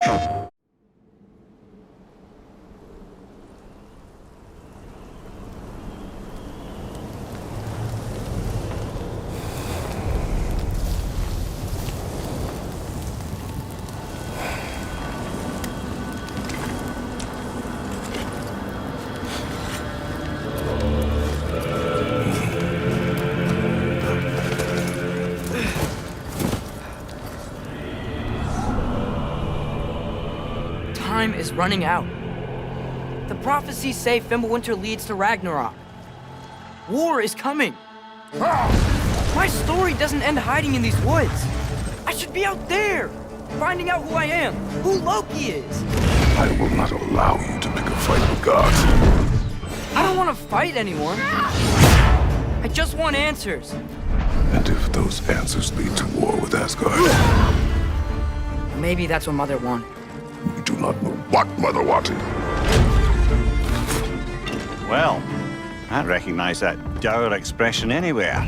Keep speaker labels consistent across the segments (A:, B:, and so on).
A: Time is running out. The prophecies say Fimbulwinter leads to Ragnarok. War is coming. My story doesn't end hiding in these woods. I should be out there, finding out who I am, who Loki is.
B: I will not allow you to pick a fight with gods.
A: I don't want to fight anyone. I just want answers.
B: And if those answers lead to war with Asgard,
A: Maybe that's what Mother wanted.
B: we do not know what Mother wanted.
C: Well, I recognize that dour expression anywhere.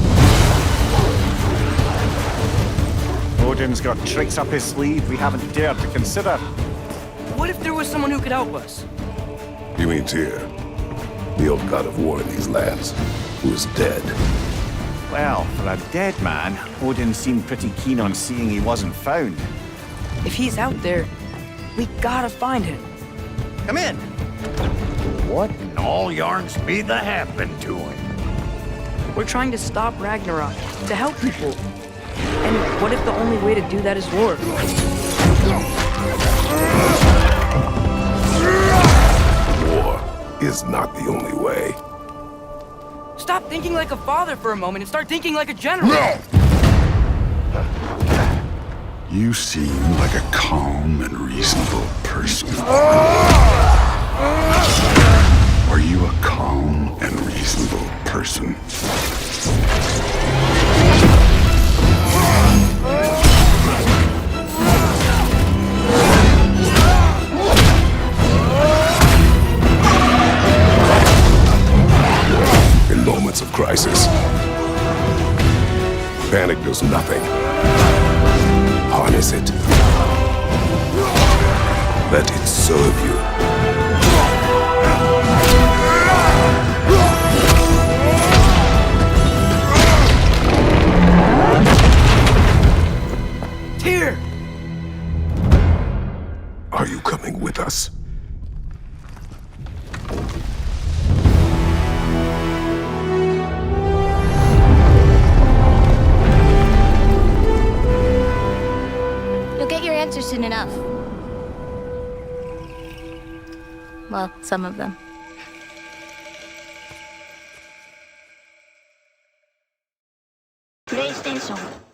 C: Odin's got tricks up his sleeve we haven't dared to consider.
A: What if there was someone who could help us?
B: You mean Tyr, the old god of war in these lands, who is dead?
C: Well, for a dead man, Odin seemed pretty keen on seeing he wasn't found.
A: If he's out there, we gotta find him.
C: Come in.
D: What in all yarns be the happened to him?
A: We're trying to stop Ragnarok, to help people. And what if the only way to do that is war?
B: War is not the only way.
A: Stop thinking like a father for a moment and start thinking like a general.
E: You seem like a calm and reasonable person. Are you a calm and reasonable person?
B: In moments of crisis, panic does nothing. Harness it. Let it serve you.
A: Tyr!
B: Are you coming with us?
F: You'll get your answer soon enough. Well, some of them. PlayStation